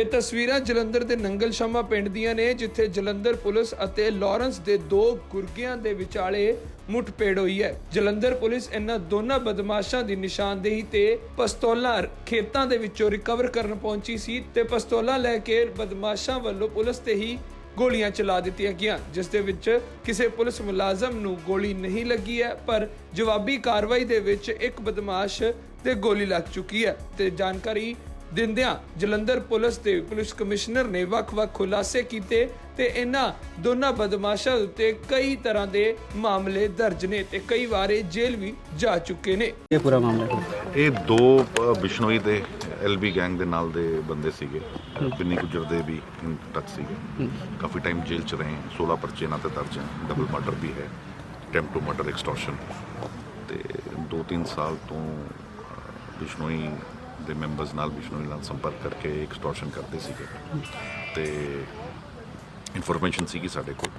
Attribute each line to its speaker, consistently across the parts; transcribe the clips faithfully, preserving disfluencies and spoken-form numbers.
Speaker 1: ਇਹ ਤਸਵੀਰਾਂ ਜਲੰਧਰ ਦੇ ਨੰਗਲ ਸ਼ਾਮਾ ਪਿੰਡ ਦੀਆਂ ਨੇ, ਜਿੱਥੇ ਜਲੰਧਰ ਪੁਲਿਸ ਅਤੇ ਲਾਰੈਂਸ ਦੇ ਦੋ ਗੁਰਗਿਆਂ ਦੇ ਵਿਚਾਲੇ ਮੁੱਠਭੇੜ ਹੋਈ ਹੈ। ਜਲੰਧਰ ਪੁਲਿਸ ਇਹਨਾਂ ਦੋਨਾਂ ਬਦਮਾਸ਼ਾਂ ਦੀ ਨਿਸ਼ਾਨਦੇਹੀ ਤੇ ਪਿਸਤੌਲਾਂ ਖੇਤਾਂ ਦੇ ਵਿੱਚੋਂ ਰਿਕਵਰ ਕਰਨ ਪਹੁੰਚੀ ਸੀ ਤੇ ਪਿਸਤੌਲਾਂ ਲੈ ਕੇ ਬਦਮਾਸ਼ਾਂ ਵੱਲੋਂ ਪੁਲਿਸ ਤੇ ਹੀ ਗੋਲੀਆਂ ਚਲਾ ਦਿੱਤੀਆਂ ਗਈਆਂ, ਜਿਸ ਦੇ ਵਿੱਚ ਕਿਸੇ ਪੁਲਿਸ ਮੁਲਾਜ਼ਮ ਨੂੰ ਗੋਲੀ ਨਹੀਂ ਲੱਗੀ ਹੈ, ਪਰ ਜਵਾਬੀ ਕਾਰਵਾਈ ਦੇ ਵਿੱਚ ਇੱਕ ਬਦਮਾਸ਼ ਤੇ ਗੋਲੀ ਲੱਗ ਚੁੱਕੀ ਹੈ। ਤੇ ਜਾਣਕਾਰੀ ਦਿੰਦਿਆਂ ਜਲੰਧਰ ਪੁਲਿਸ ਦੇ ਪੁਲਿਸ ਕਮਿਸ਼ਨਰ ਨੇ ਵੱਖ-ਵੱਖ ਖੁਲਾਸੇ ਕੀਤੇ ਤੇ ਇਹਨਾਂ ਦੋਨਾਂ ਬਦਮਾਸ਼ਾਂ ਉੱਤੇ ਕਈ ਤਰ੍ਹਾਂ ਦੇ ਮਾਮਲੇ ਦਰਜ ਨੇ ਤੇ ਕਈ ਵਾਰੇ ਜੇਲ੍ਹ ਵੀ ਜਾ ਚੁੱਕੇ ਨੇ।
Speaker 2: ਇਹ ਪੂਰਾ ਮਾਮਲਾ
Speaker 3: ਇਹ ਦੋ ਬਿਸ਼ਨੋਈ ਦੇ ਐਲਬੀ ਗੈਂਗ ਦੇ ਨਾਲ ਦੇ ਬੰਦੇ ਸੀਗੇ, ਬਿੰਨੀ ਗੁੱਜਰ ਦੇ ਵੀ ਟੱਚ ਸੀਗੇ, ਕਾਫੀ ਟਾਈਮ ਜੇਲ੍ਹ ਚ ਰਹੇ। सोलह ਪਰਚੇ ਇਹਨਾਂ ਤੇ ਦਰਜ ਹੈ, ਡਬਲ ਮਰਡਰ ਵੀ ਹੈ, ਅਟੈਂਪਟ ਟੂ ਮਰਡਰ, ਐਕਸਟੋਰਸ਼ਨ ਤੇ ਦੋ ਤਿੰਨ ਸਾਲ ਤੋਂ ਬਿਸ਼ਨੋਈ ਦੇ ਮੈਂਬਰਸ ਨਾਲ ਬਿਸ਼ਨੋਈ ਨਾਲ ਸੰਪਰਕ ਕਰਕੇ ਐਕਸਟੋਰਸ਼ਨ ਕਰਦੇ ਸੀਗੇ ਤੇ ਇਨਫੋਰਮੇਸ਼ਨ ਸੀਗੀ ਸਾਡੇ ਕੋਲ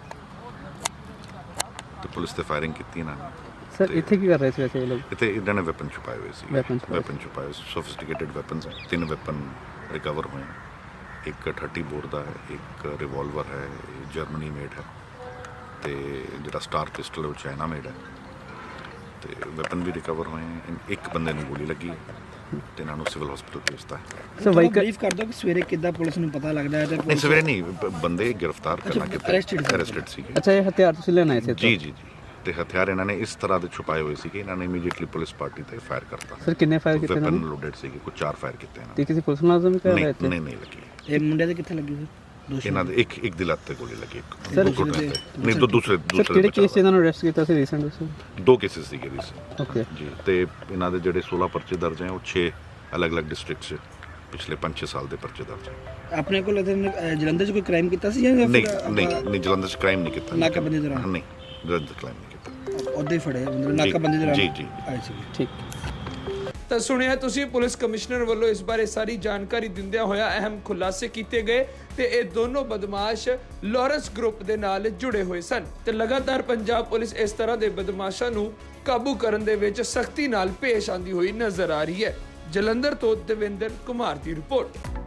Speaker 3: ਤੇ ਪੁਲਿਸ ਤੇ ਫਾਇਰਿੰਗ ਕੀਤੀ ਇਹਨਾਂ ਨੇ।
Speaker 2: ਸਰ ਇੱਥੇ ਕੀ ਕਰ ਰਹੇ ਸੀ ਵੈਸੇ ਇਹ ਲੋਕ?
Speaker 3: ਇੱਥੇ ਇਹਨਾਂ ਨੇ ਵੈਪਨ ਛੁਪਾਏ ਹੋਏ ਸੀ,
Speaker 2: ਵੈਪਨ ਛੁਪਾਏ
Speaker 3: ਵੈਪਨ ਛੁਪਾਏ ਸੋਫਿਸਟੀਕੇਟਡ ਵੈਪਨਸ ਹੈ। ਤਿੰਨ ਵੈਪਨ ਰਿਕਵਰ ਹੋਏ, ਇੱਕ ਥਰਟੀ ਬੋਰ ਦਾ ਹੈ, ਇੱਕ ਰਿਵਾਲਵਰ ਹੈ, ਜਰਮਨੀ ਮੇਡ ਹੈ ਤੇ ਜਿਹੜਾ ਸਟਾਰ ਪਿਸਟਲ ਉਹ ਚਾਈਨਾ ਮੇਡ ਹੈ ਤੇ ਵੈਪਨ ਵੀ ਰਿਕਵਰ ਹੋਏ। ਇੱਕ ਬੰਦੇ ਨੂੰ ਗੋਲੀ ਲੱਗੀ ਤੇ ਇਹਨਾਂ ਨੂੰ ਸਿਵਲ ਹਸਪੀਟਲ ਭੇਜਤਾ ਹੈ।
Speaker 2: ਸਰ ਵਾਹੀਕਲ
Speaker 4: ਬਰੀਫ ਕਰ ਦੋ ਕਿ ਸਵੇਰੇ ਕਿੱਦਾਂ ਪੁਲਿਸ ਨੂੰ ਪਤਾ ਲੱਗਦਾ ਹੈ ਤੇ
Speaker 3: ਨਹੀਂ ਸਵੇਰੇ ਨਹੀਂ, ਬ- ਬੰਦੇ ਗ੍ਰਿਫਤਾਰ ਕਰਨਾ ਕਿਤੇ
Speaker 4: arrested
Speaker 3: ਅਰੈਸਟਡ ਸੀਗੇ।
Speaker 2: ਅੱਛਾ ਇਹ ਹਥਿਆਰ ਤੁਸੀਂ ਲੈਣ ਆਏ ਸੀ?
Speaker 3: ਜੀ ਜੀ ਜੀ ਤੇ ਹਥਿਆਰ ਇਹਨਾਂ ਨੇ ਇਸ ਤਰ੍ਹਾਂ ਦੇ ਛੁਪਾਏ ਹੋਏ ਸੀਗੇ, ਇਹਨਾਂ ਨੇ ਇਮੀਡੀਏਟਲੀ ਪੁਲਿਸ ਪਾਰਟੀ ਤੇ ਫਾਇਰ ਕਰਤਾ।
Speaker 2: ਸਰ ਕਿੰਨੇ ਫਾਇਰ ਕੀਤੇ ਇਹਨਾਂ
Speaker 3: ਵੈਪਨ
Speaker 2: ਨੇ?
Speaker 3: ਲੋਡਡ ਸੀਗੇ, ਕੁਝ ਚਾਰ ਫਾਇਰ ਕੀਤੇ ਇਹਨਾਂ
Speaker 2: ਤੇ ਕਿਸੇ ਪੁਲਿਸ ਮੁਲਾਜ਼ਮ ਵੀ ਕਰ
Speaker 3: ਨੇ।
Speaker 2: ਰਹੇ
Speaker 3: ਨਹੀਂ
Speaker 2: ਇੱਥੇ?
Speaker 3: ਨਹੀਂ ਲੱਗੀ
Speaker 4: ਇਹ ਮੁੰਡੇ ਦੇ ਕਿੱਥੇ ਲੱਗੀ ਸਰ? ਦੋਸ਼ੀ
Speaker 3: ਇਹਨਾਂ ਦੇ ਇੱਕ ਇੱਕ ਦੀ ਲੱਤ ਤੇ ਗੋਲੀ ਲੱਗੀ, ਇੱਕ
Speaker 2: Sir,
Speaker 3: ਦੋ ਘੁੱਟਣੇ ਤੇ। ਨਹੀਂ ਦੋ ਦੂਸਰੇ
Speaker 2: ਸਰ
Speaker 3: ਦੂਸਰੇ
Speaker 2: ਕਿਹੜੇ
Speaker 3: ਬਚਾਅ
Speaker 2: ਕੇਸ 'ਚ ਇਹਨਾਂ ਨੂੰ ਅਰੈਸਟ ਕੀਤਾ ਸੀ ਰੀਸੈਂਟ ਵਿੱਚ?
Speaker 3: ਹੋਇਆ। ਦੋ ਕੇਸਿਸ ਸੀਗੇ ਰੀਸੈਂਟ
Speaker 2: ਓਕੇ
Speaker 3: ਜੀ ਤੇ ਇਹਨਾਂ ਦੇ ਜਿਹੜੇ सोलह ਪਰਚੇ ਦਰਜ ਹੈ ਉਹ ਛੇ ਅਲੱਗ-ਅਲੱਗ ਡਿਸਟ੍ਰਿਕਟ 'ਚ ਪਿਛਲੇ ਪੰਜ ਛੇ ਸਾਲ ਦੇ ਪਰਚੇ ਦਰਜ ਹੈ।
Speaker 4: ਆਪਣੇ ਕੋਲ ਇੱਥੇ, ਅਹ, ਜਲੰਧਰ 'ਚ ਕੋਈ ਕ੍ਰਾਈਮ ਕੀਤਾ ਸੀ ਜਾਂ ਫਿਰ
Speaker 3: ਨਹੀਂ
Speaker 4: ਆਪਾਂ
Speaker 3: ਨਹੀਂ ਨਹੀਂ ਜਲੰਧਰ 'ਚ ਕ੍ਰਾਈਮ ਨਹੀਂ ਕੀਤਾ।
Speaker 4: ਨਾਕਾਬੰਦੀ ਦੌਰਾਨ?
Speaker 3: ਨਹੀਂ ਜਲੰਧਰ ਕ੍ਰਾਈਮ ਨਹੀਂ ਕੀਤਾ।
Speaker 4: ਉਹਦੇ ਹੀ ਫੜੇ ਮਤਲਬ ਨਾਕਾਬੰਦੀ ਦੌਰਾਨ?
Speaker 3: ਜੀ ਜੀ
Speaker 4: ਆਏ ਸੀ।
Speaker 2: ਠੀਕ।
Speaker 1: ਤਾਂ ਸੁਣਿਆ ਤੁਸੀਂ, ਪੁਲਿਸ ਕਮਿਸ਼ਨਰ ਵੱਲੋਂ ਇਸ ਬਾਰੇ ਸਾਰੀ ਜਾਣਕਾਰੀ ਦਿੰਦਿਆਂ ਹੋਇਆ ਅਹਿਮ ਖੁਲਾਸੇ ਕੀਤੇ ਗਏ ਤੇ ਇਹ ਦੋਨੋਂ ਬਦਮਾਸ਼ ਲਾਰੈਂਸ ਗਰੁੱਪ ਦੇ ਨਾਲ ਜੁੜੇ ਹੋਏ ਸਨ ਤੇ ਲਗਾਤਾਰ ਪੰਜਾਬ ਪੁਲਿਸ ਇਸ ਤਰ੍ਹਾਂ ਦੇ ਬਦਮਾਸ਼ਾਂ ਨੂੰ ਕਾਬੂ ਕਰਨ ਦੇ ਵਿੱਚ ਸਖਤੀ ਨਾਲ ਪੇਸ਼ ਆਂਦੀ ਹੋਈ ਨਜ਼ਰ ਆ ਰਹੀ ਹੈ। ਜਲੰਧਰ ਤੋਂ ਦਵਿੰਦਰ ਕੁਮਾਰ ਦੀ ਰਿਪੋਰਟ।